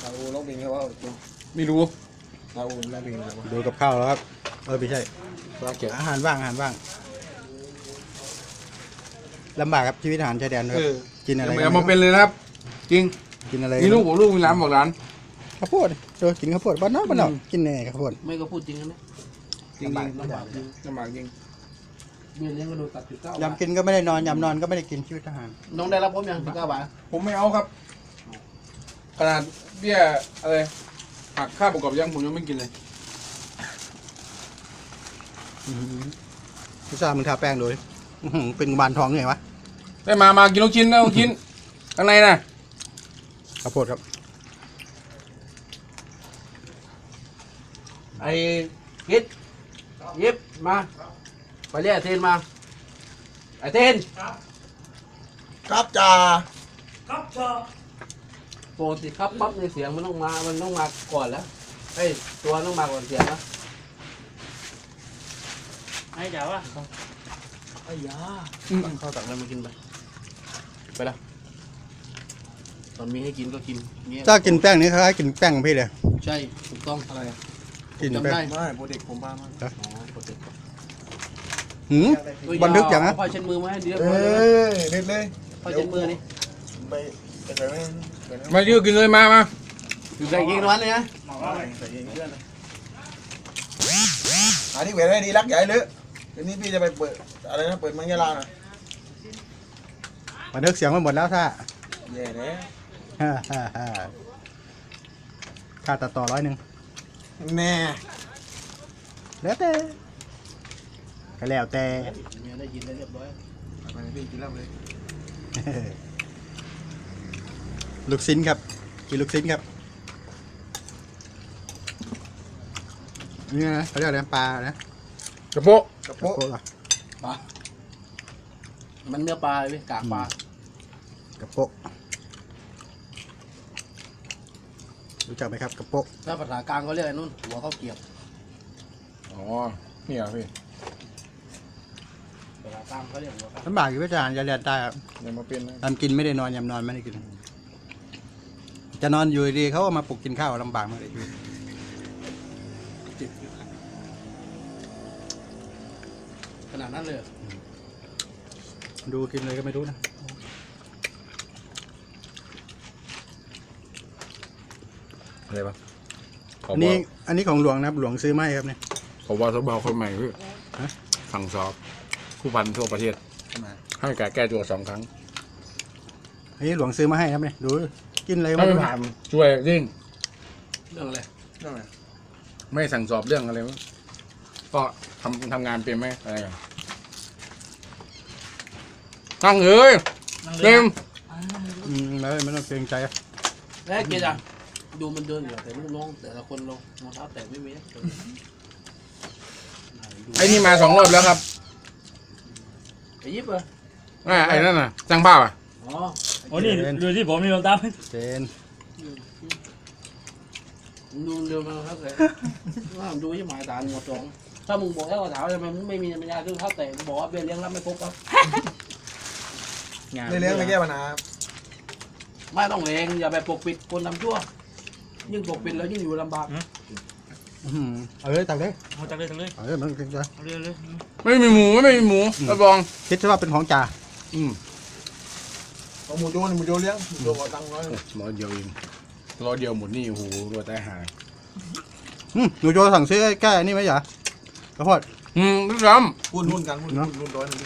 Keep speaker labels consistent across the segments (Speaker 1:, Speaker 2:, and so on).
Speaker 1: อูร้องเพลงเขาว่า
Speaker 2: ไม่รู้
Speaker 1: อาอูร้องเพลงอะไรวะ
Speaker 3: ดูกับข้าวแล้วครับไม่ใช่
Speaker 2: รักเก็บ
Speaker 3: อาหารว่างลำบากครับชีวิตทหารชายแดนครับกินอะไร
Speaker 2: อย่ามาเป็นเลยนะครับจริง
Speaker 3: กินอะไร
Speaker 2: มีลูกมีร้านบอกร้าน
Speaker 3: ข้าวโพดดูกินข้าวโพดบ้านนอกกินแน่ข้าวโพด
Speaker 4: ไม่ก็พูดจริงนะ
Speaker 2: จริงลำบากจริงลำบากจริง
Speaker 4: เบี้ยเลี้ยงก็โดนตัด19
Speaker 3: ยำกินก็ไม่ได้นอนยำนอนก็ไม่ได้กินชีวิตทหาร
Speaker 4: น้องได้รับผมยัง19 บาท
Speaker 2: ผมไม่เอาครับขนาดเบี้ยอะไรหักค่าประกอบยังผมยังไม่กินเลย
Speaker 3: พิซซ่ามึงทาแป้งดูดิเป็นบานทองไงวะ
Speaker 2: ได้มากินลูกชิ้นนะลูกชิ้นข้างในน่ะ
Speaker 3: ข้าวโพดครับ
Speaker 4: ไอ้คิดยิบมาไปเรียกไอ้เทนมาไอ้เทน
Speaker 1: ครับจ่า
Speaker 4: ปกติครับปั๊บในเสียงมันต้องมาก่อนแล้วเฮ้ยตัวต้องมาก่อนเสียงนะ
Speaker 5: ไอ้จ๋าวะ
Speaker 4: ไอ้ยาข้าวตักอะไรมากินไปละตอนมีให้กินก็กินเงี้ย
Speaker 3: ถ้ากินแป้งนี้คล้ายๆกินแป้งของพี่เลย
Speaker 4: ใช่ถูกต้องอะไร
Speaker 3: กิน
Speaker 4: จำ
Speaker 3: แป้ง
Speaker 4: ได้
Speaker 1: ไม่โปรเด็กผมบ้ามาก
Speaker 4: อ๋อปกติ
Speaker 3: บันทึกอย่างนะ
Speaker 4: ผ้าเช็ดมือมาให้เดียว
Speaker 1: เอ้ยเด็ดเลย
Speaker 4: ผ้าเช็ดมือนี่
Speaker 1: ไปไปไม่
Speaker 2: มายืดกินเลยมา
Speaker 4: อยู่ใส่กินวันเลยนะ
Speaker 1: ใส่เองเพื่อนเลยอันนี้เวรดีรักใหญ่เลยทีนี้พี่จะไปเปิดอะไรนะเปิดมังยาลาน่ะ
Speaker 3: บันทึกเสียงมาหมดแล้วถ้า
Speaker 1: แย่แล้ว
Speaker 3: ค่าตัดต่อ100
Speaker 1: แน่
Speaker 3: แล้วแต่ก็แล้วแต่
Speaker 4: เมียได้ยินได้เรียบร้อย
Speaker 1: ไปพี่กินแล้วเลย
Speaker 3: ลูกชิ้นครับกินลูกชิ้นครับนี่นะเขาเรียกอะไรปลานะ
Speaker 2: กระโปะ
Speaker 1: กระ
Speaker 3: โป๊
Speaker 1: โปะ
Speaker 3: ะ
Speaker 4: ปลามันเนื้อปลาเลยกากปลาก
Speaker 3: ระโปะรู้จักไหมครับกระโปะ
Speaker 4: ถ้าภาษากลางเขาเรียกไอ้นู่นหัวข้าวเกรียบ
Speaker 2: อ๋อนี่เหรอพี่
Speaker 4: ภาษากลางเขาเรียกหัวข้าว
Speaker 3: ลำบากอยู่พิจารณ์จะเรียนได้ครับ
Speaker 2: อย่ามาเป็นนะ
Speaker 3: ทำกินไม่ได้นอนยำนอนไม่ได้กิน จะนอนอยู่ดีเขาก็มาปลุกกินข้าวลำบากมากเลย
Speaker 4: ขนาดนั้นเลย
Speaker 3: ดูกินเลยก็ไม่รู้นะ
Speaker 2: อะไรปะ
Speaker 3: อันนี้ของหลวงนะครับหลวงซื้อมาให้ครับเนี่ย
Speaker 2: ขอว่าทบคนใหม่พี่
Speaker 3: ฮะ
Speaker 2: สั่งสอบผู้พันทั่วประเทศให้แก้ตัว2 ครั้ง
Speaker 3: อันนี้หลวงซื้อมาให้ครับเนี่ยดูกินอะไรก็
Speaker 2: ไม่
Speaker 3: ไม่รู้
Speaker 2: ผ่านช่วยจริง
Speaker 4: เรื่องอะไร
Speaker 1: นั่นไง
Speaker 2: ไม่สั่งสอบเรื่องอะไรวะก็ทำงานเป็นไหมอะไรกันตั้งเอ้ยเต็ม
Speaker 3: ไม่ต้องเกรงใจอะ
Speaker 4: แล้วเกียร์อ่ะดูมันเดินอยู่แต่ลูกน้องแต่ละคนลงรองเท้าแตะไม่มีนะ
Speaker 2: ไอ้นี่มา2 รอบแล้วครับ
Speaker 4: ไอ้ยิบเหรอ
Speaker 2: ไอ้นั่นน่ะจ้างภาพอ่ะ
Speaker 4: อ๋อ
Speaker 5: โอ้นี่ดูที่ผมนี่ลงตาม
Speaker 3: เจน
Speaker 4: ดูเร็วมาครับเลยว่าดูที่หมายสารหมดสองถ้ามึงบอกแล้วว่าถามทำไมมึงไม่มีปัญญาซื้อข้าวแตะมึงบอกว่าเบี้ยเลี้ยงรับไม่ครบครับ
Speaker 1: ในเลี้ยงไม่แก้ปัญหา
Speaker 4: ไม่ต้องเลงอย่าไปปกปิดคนทำชั่วยิ่งปกปิดแล้วยิ่งอยู่ลำบาก
Speaker 3: เอาเลยตักเลย
Speaker 5: เอาจากเลยจากเลย
Speaker 3: เอาเลยมันเกรงใจ
Speaker 5: เอาเลยเลย
Speaker 2: ไม่มีหมูรับรอง
Speaker 3: คิดซะว่าเป็นของจ่า
Speaker 1: ของหมูโจนี่หมูโจเลี้ยงหมูโจเอาตังค์น้อย
Speaker 2: 100 เดียวเอง100 เดียวหมดนี่โอ้โหรวยตายหา
Speaker 3: หนูโจสั่งซื้อแก้นี่ไหมจ๋าข้าวโพด
Speaker 2: ทุกท่าน
Speaker 1: หุ้นกันหุ้นร้อยนึง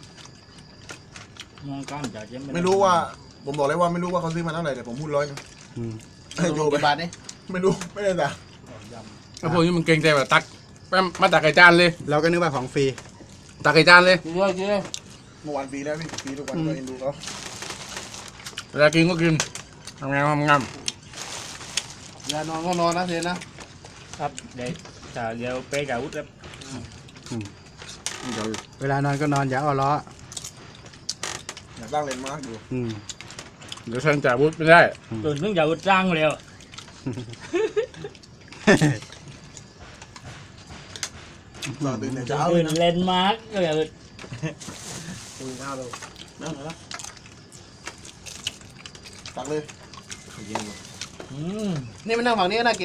Speaker 5: มองกล้ามจากเย็น
Speaker 1: ไม่รู้ว่าผมบอกเลยว่าไม่รู้ว่าเขาซื้อมาเท่าไหร่แต่ผมหุ้น100นึงให้โจไป
Speaker 4: กี่บาทนี่
Speaker 1: ไม่รู้ไม่ได้แต่
Speaker 2: แล้วพวกนี้มันเกรงใจแบบตักแป๊บมาตักไก่จานเลย
Speaker 3: เราก็นึกว่าของฟรี
Speaker 2: ตักไก่จานเลย
Speaker 4: เยอะเยอะ
Speaker 1: เมื่อวานปีแล้วพี่ปีทุกวันก็เอ็นดูเขา
Speaker 2: เวลากินก็กินทำงาน
Speaker 4: เวลานอนก็นอนนะเทนนะครับ
Speaker 5: เดี๋ยวจะเดี๋ยวไปกับวุฒิแล้ว
Speaker 3: เวลานอนก็นอนอย่าอ้อล้อ
Speaker 1: อยากตั้งเลนมาร์กอยู่
Speaker 2: เดี๋ยวฉันจ่ายวุฒิไม่ได้
Speaker 5: ตื่นเพิ่งจะวุฒิจ้างเร็ว
Speaker 1: ตอนตื่นแต่เช้าเล
Speaker 5: ตื่
Speaker 1: ย
Speaker 5: น
Speaker 1: นะ
Speaker 5: เลนมาร์กก็แบบ
Speaker 1: ตื่นข้าวเลยนั่งเลยนะตักเลย
Speaker 5: อืม
Speaker 4: นี่มันนั่งฝั่งนี้ก็น่ากิน